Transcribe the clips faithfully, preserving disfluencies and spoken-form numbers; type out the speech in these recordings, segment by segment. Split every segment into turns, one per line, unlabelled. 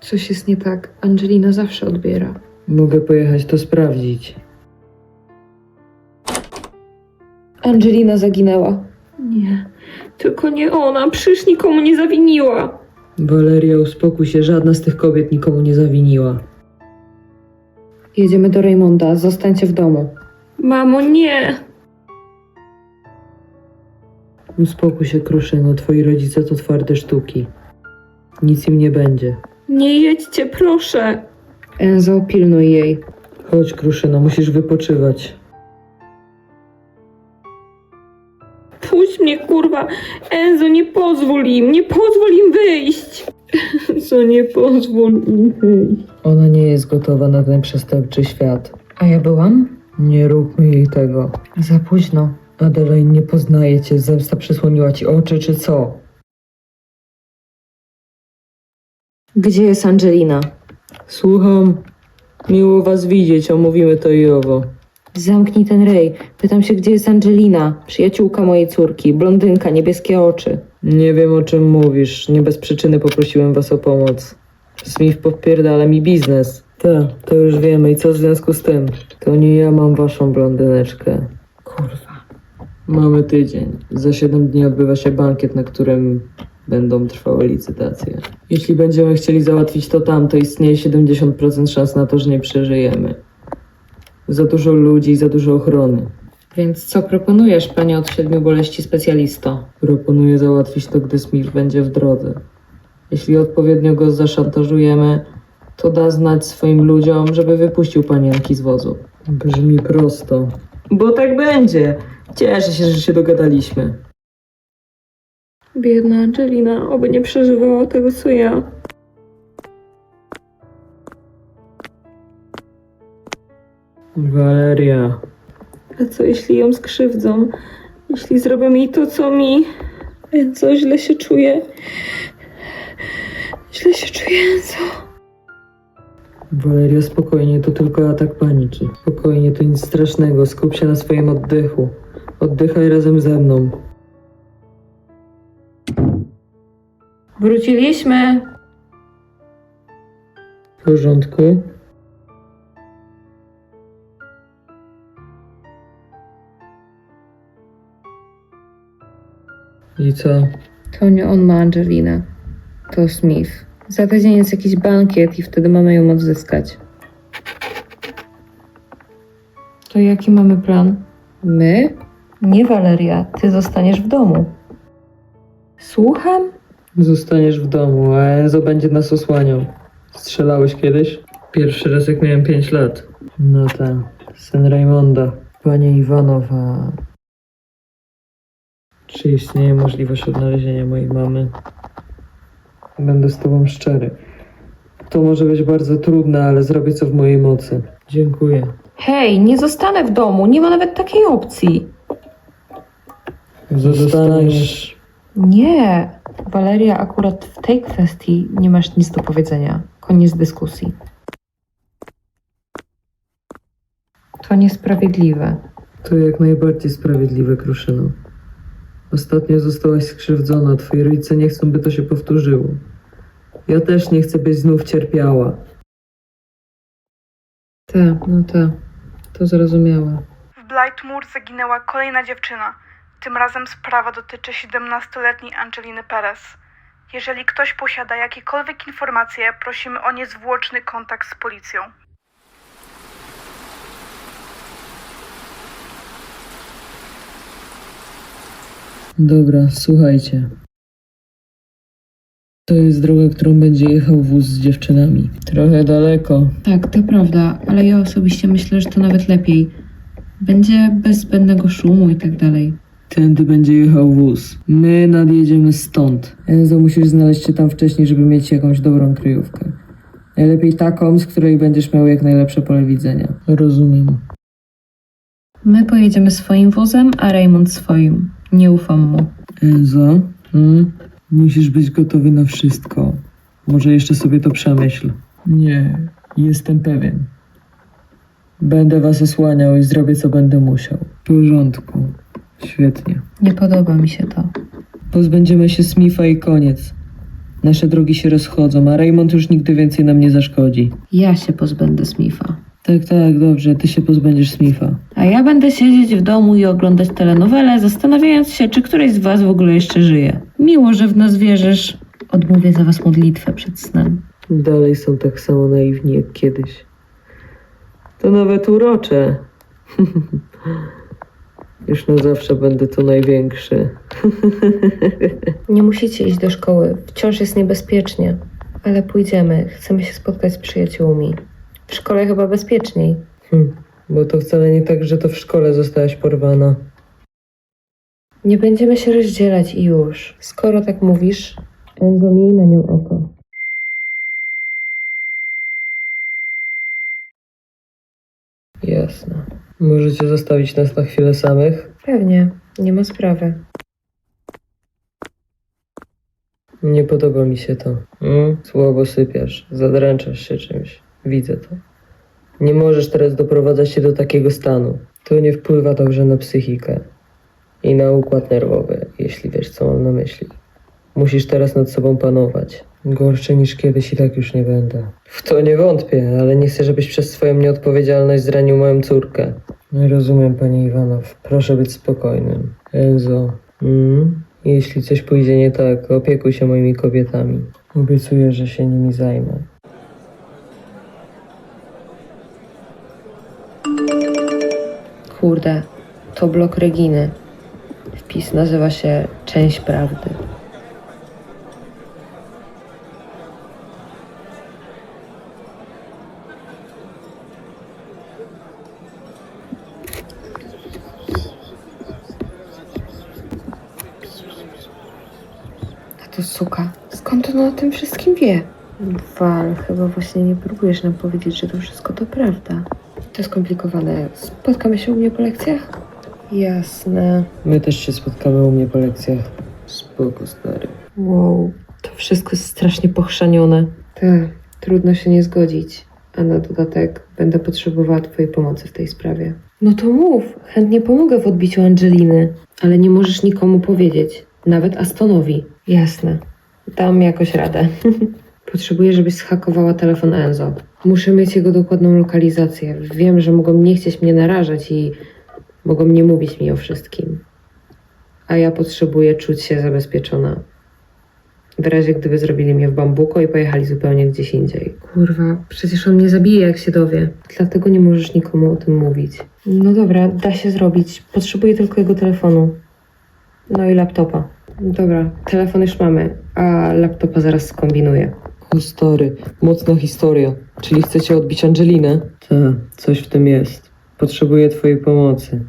Coś jest nie tak. Angelina zawsze odbiera.
Mogę pojechać to sprawdzić.
Angelina zaginęła. Nie, tylko nie ona. Przecież nikomu nie zawiniła.
Waleria, uspokój się, żadna z tych kobiet nikomu nie zawiniła.
Jedziemy do Raymonda. Zostańcie w domu. Mamo, nie.
Uspokój się, Kruszyno, twoi rodzice to twarde sztuki. Nic im nie będzie.
Nie jedźcie, proszę. Enzo, pilnuj jej.
Chodź, Kruszyno, musisz wypoczywać.
Puść mnie, kurwa. Enzo, nie pozwól im. Nie pozwól im wyjść. Enzo, nie pozwól im wyjść.
Ona nie jest gotowa na ten przestępczy świat.
A ja byłam?
Nie róbmy jej tego.
Za późno.
Adelaide, nie poznaje cię. Zemsta przysłoniła ci oczy, czy co?
Gdzie jest Angelina?
Słucham. Miło was widzieć, omówimy to i owo.
Zamknij ten rej. Pytam się, gdzie jest Angelina? Przyjaciółka mojej córki. Blondynka, niebieskie oczy.
Nie wiem, o czym mówisz. Nie bez przyczyny poprosiłem was o pomoc. Smith podpierdala mi biznes. Tak, to już wiemy. I co w związku z tym? To nie ja mam waszą blondyneczkę.
Kurwa.
Mamy tydzień. Za siedem dni odbywa się bankiet, na którym będą trwały licytacje. Jeśli będziemy chcieli załatwić to tam, to istnieje siedemdziesiąt procent szans na to, że nie przeżyjemy. Za dużo ludzi, za dużo ochrony.
Więc co proponujesz, panie od siedmiu boleści specjalisto?
Proponuję załatwić to, gdy Smith będzie w drodze. Jeśli odpowiednio go zaszantażujemy, to da znać swoim ludziom, żeby wypuścił panienki z wozu. Brzmi prosto. Bo tak będzie. Cieszę się, że się dogadaliśmy.
Biedna Angelina, oby nie przeżywała tego, co ja.
Valeria.
A co jeśli ją skrzywdzą? Jeśli zrobią jej to, co mi? Enzo, źle się czuję. Źle się czuję, Enzo.
Valeria, spokojnie, to tylko atak paniki. Spokojnie, to nic strasznego. Skup się na swoim oddechu. Oddychaj razem ze mną.
Wróciliśmy.
W porządku? I co?
To nie on ma Angelinę. To Smith. Za tydzień jest jakiś bankiet i wtedy mamy ją odzyskać. To jaki mamy plan? My? Nie, Valeria. Ty zostaniesz w domu. Słucham?
Zostaniesz w domu, a Enzo będzie nas osłaniał. Strzelałeś kiedyś? Pierwszy raz jak miałem pięć lat. No tak, syn Raymonda. Panie Iwanowa, czy istnieje możliwość odnalezienia mojej mamy? Będę z tobą szczery. To może być bardzo trudne, ale zrobię co w mojej mocy. Dziękuję.
Hej, nie zostanę w domu. Nie ma nawet takiej opcji.
Zostaniesz...
Nie. Valeria, akurat w tej kwestii nie masz nic do powiedzenia. Koniec dyskusji. To niesprawiedliwe.
To jak najbardziej sprawiedliwe, Kruszyno. Ostatnio zostałaś skrzywdzona, twoi rodzice nie chcą, by to się powtórzyło. Ja też nie chcę, byś znów cierpiała.
Tak, no tak. To zrozumiałe.
W Blightmoor zaginęła kolejna dziewczyna. Tym razem sprawa dotyczy siedemnastoletniej Angeliny Perez. Jeżeli ktoś posiada jakiekolwiek informacje, prosimy o niezwłoczny kontakt z policją.
Dobra, słuchajcie. To jest droga, którą będzie jechał wóz z dziewczynami. Trochę daleko.
Tak, to prawda, ale ja osobiście myślę, że to nawet lepiej. Będzie bez zbędnego szumu i tak dalej.
Tędy będzie jechał wóz. My nadjedziemy stąd. Enzo, musisz znaleźć się tam wcześniej, żeby mieć jakąś dobrą kryjówkę. Najlepiej taką, z której będziesz miał jak najlepsze pole widzenia. Rozumiem.
My pojedziemy swoim wozem, a Raymond swoim. Nie ufam mu.
Enzo, hmm? Musisz być gotowy na wszystko. Może jeszcze sobie to przemyśl. Nie, jestem pewien. Będę was osłaniał i zrobię, co będę musiał. W porządku. Świetnie.
Nie podoba mi się to.
Pozbędziemy się Smitha i koniec. Nasze drogi się rozchodzą, a Raymond już nigdy więcej nam nie zaszkodzi.
Ja się pozbędę Smitha.
Tak, tak, dobrze, ty się pozbędziesz Smitha.
A ja będę siedzieć w domu i oglądać telenowele, zastanawiając się, czy któryś z was w ogóle jeszcze żyje. Miło, że w nas wierzysz. Odmówię za was modlitwę przed snem.
Dalej są tak samo naiwni jak kiedyś. To nawet urocze. Już na zawsze będę tu największy.
Nie musicie iść do szkoły. Wciąż jest niebezpiecznie. Ale pójdziemy. Chcemy się spotkać z przyjaciółmi. W szkole chyba bezpieczniej.
Hm, bo to wcale nie tak, że to w szkole zostałaś porwana.
Nie będziemy się rozdzielać i już. Skoro tak mówisz, Enzo, miej na nią oko.
Jasne. Możecie zostawić nas na chwilę samych?
Pewnie. Nie ma sprawy.
Nie podoba mi się to. Mm? Słabo sypiasz, zadręczasz się czymś. Widzę to. Nie możesz teraz doprowadzać się do takiego stanu. To nie wpływa dobrze na psychikę i na układ nerwowy, jeśli wiesz, co mam na myśli. Musisz teraz nad sobą panować. Gorszy niż kiedyś i tak już nie będę. W to nie wątpię, ale nie chcę, żebyś przez swoją nieodpowiedzialność zranił moją córkę. Nie rozumiem, panie Iwanow. Proszę być spokojnym. Enzo, mm? Jeśli coś pójdzie nie tak, opiekuj się moimi kobietami. Obiecuję, że się nimi zajmę.
Kurde, to blog Reginy. Wpis nazywa się Część Prawdy. A to suka. Skąd ona o tym wszystkim wie? Wal, chyba właśnie nie próbujesz nam powiedzieć, że to wszystko to prawda. To skomplikowane. Spotkamy się u mnie po lekcjach? Jasne.
My też się spotkamy u mnie po lekcjach. Spoko, stary.
Wow, to wszystko jest strasznie pochrzanione. Tak, trudno się nie zgodzić. A na dodatek będę potrzebowała twojej pomocy w tej sprawie. No to mów, chętnie pomogę w odbiciu Angeliny. Ale nie możesz nikomu powiedzieć, nawet Astonowi. Jasne, dam jakoś radę. Potrzebuję, żebyś zhakowała telefon Enzo. Muszę mieć jego dokładną lokalizację. Wiem, że mogą nie chcieć mnie narażać i mogą nie mówić mi o wszystkim. A ja potrzebuję czuć się zabezpieczona. W razie gdyby zrobili mnie w bambuko i pojechali zupełnie gdzieś indziej. Kurwa, przecież on mnie zabije, jak się dowie. Dlatego nie możesz nikomu o tym mówić. No dobra, da się zrobić. Potrzebuję tylko jego telefonu. No i laptopa. Dobra, telefon już mamy, a laptopa zaraz skombinuję.
O stary, mocna historia. Czyli chcecie odbić Angelinę? Tak, coś w tym jest. Potrzebuję twojej pomocy.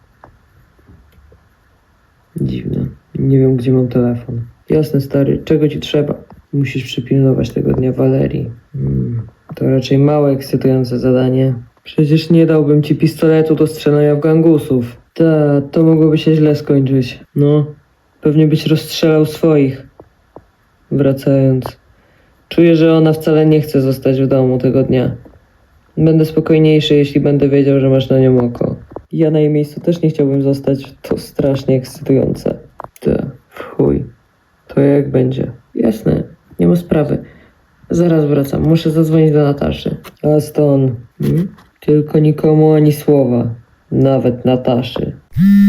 Dziwne. Nie wiem, gdzie mam telefon. Jasne, stary. Czego ci trzeba? Musisz przypilnować tego dnia Walerii. Hmm, to raczej mało ekscytujące zadanie. Przecież nie dałbym ci pistoletu do strzelania w gangusów. Ta, to mogłoby się źle skończyć. No, pewnie byś rozstrzelał swoich. Wracając. Czuję, że ona wcale nie chce zostać w domu tego dnia. Będę spokojniejszy, jeśli będę wiedział, że masz na nią oko. Ja na jej miejscu też nie chciałbym zostać. To strasznie ekscytujące. Te, w chuj. To jak będzie? Jasne, nie ma sprawy. Zaraz wracam. Muszę zadzwonić do Nataszy. Aston. Hmm? Tylko nikomu ani słowa. Nawet Nataszy.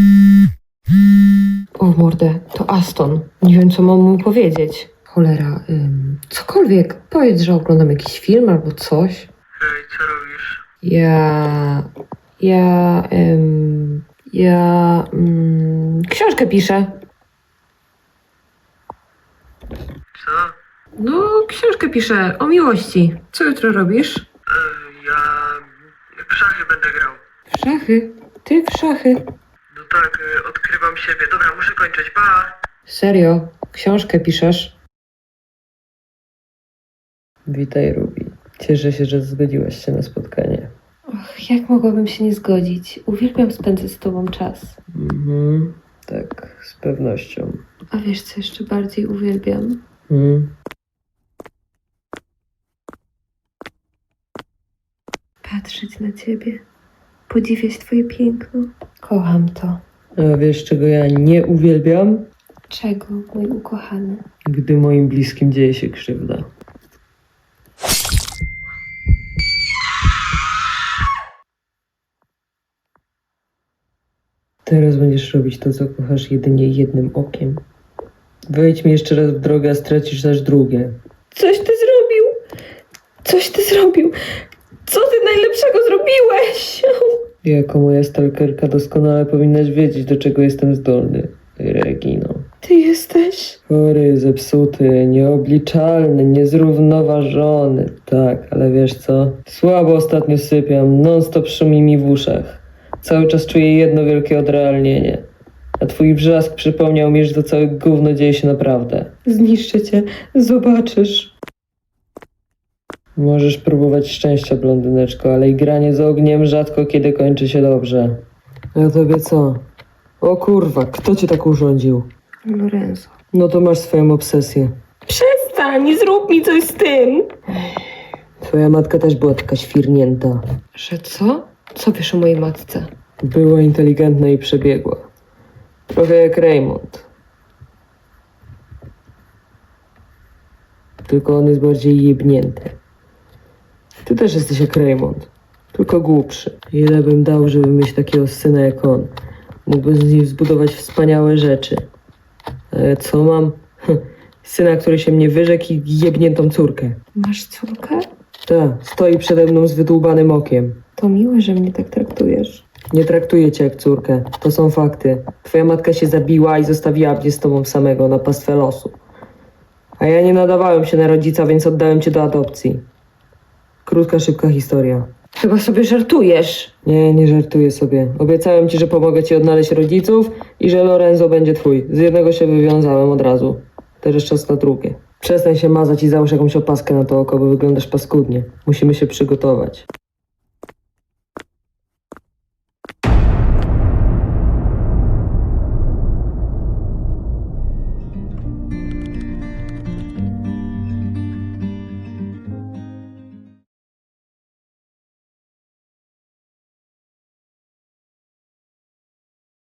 O mordę, to Aston. Nie wiem, co mam mu powiedzieć. Cholera, ym, cokolwiek. Powiedz, że oglądam jakiś film albo coś.
Hej, co robisz?
Ja... Ja... Ym, ja... Ym, książkę piszę.
Co?
No, książkę piszę o miłości. Co jutro robisz?
E, ja w szachy będę grał.
W szachy? Ty w szachy?
No tak, e, odkrywam siebie. Dobra, muszę kończyć. Pa!
Serio? Książkę piszesz?
Witaj, Ruby. Cieszę się, że zgodziłaś się na spotkanie.
Och, jak mogłabym się nie zgodzić? Uwielbiam spędzać z tobą czas.
Mhm, tak, z pewnością.
A wiesz, co jeszcze bardziej uwielbiam?
Mhm.
Patrzeć na ciebie. Podziwiać twoje piękno. Kocham to.
A wiesz, czego ja nie uwielbiam?
Czego, mój ukochany?
Gdy moim bliskim dzieje się krzywda. Teraz będziesz robić to, co kochasz jedynie jednym okiem. Wejdź mi jeszcze raz w drogę, a stracisz aż drugie.
Coś ty zrobił! Coś ty zrobił! Co ty najlepszego zrobiłeś?
Jako moja stalkerka doskonale powinnaś wiedzieć, do czego jestem zdolny, Regino.
Ty jesteś?
Chory, zepsuty, nieobliczalny, niezrównoważony. Tak, ale wiesz co? Słabo ostatnio sypiam, non-stop szumi mi w uszach. Cały czas czuję jedno wielkie odrealnienie. A twój wrzask przypomniał mi, że to całe gówno dzieje się naprawdę.
Zniszczę cię, zobaczysz.
Możesz próbować szczęścia, blondyneczko, ale igranie z ogniem rzadko kiedy kończy się dobrze. A tobie co? O kurwa, kto cię tak urządził?
Lorenzo.
No to masz swoją obsesję.
Przestań, zrób mi coś z tym!
Twoja matka też była taka świrnięta.
Że co? Co wiesz o mojej matce?
Była inteligentna i przebiegła. Trochę jak Raymond. Tylko on jest bardziej jebnięty. Ty też jesteś jak Raymond. Tylko głupszy. Ile bym dał, żeby mieć takiego syna jak on. Mógłbym z nim zbudować wspaniałe rzeczy. Ale co mam? Syna, który się mnie wyrzekł i jebniętą córkę.
Masz córkę?
Ta, stoi przede mną z wydłubanym okiem.
To miłe, że mnie tak traktujesz.
Nie traktuję cię jak córkę. To są fakty. Twoja matka się zabiła i zostawiła mnie z tobą samego na pastwę losu. A ja nie nadawałem się na rodzica, więc oddałem cię do adopcji. Krótka, szybka historia.
Chyba sobie żartujesz.
Nie, nie żartuję sobie. Obiecałem ci, że pomogę ci odnaleźć rodziców i że Lorenzo będzie twój. Z jednego się wywiązałem od razu. Teraz czas na drugie. Przestań się mazać i załóż jakąś opaskę na to oko, bo wyglądasz paskudnie. Musimy się przygotować.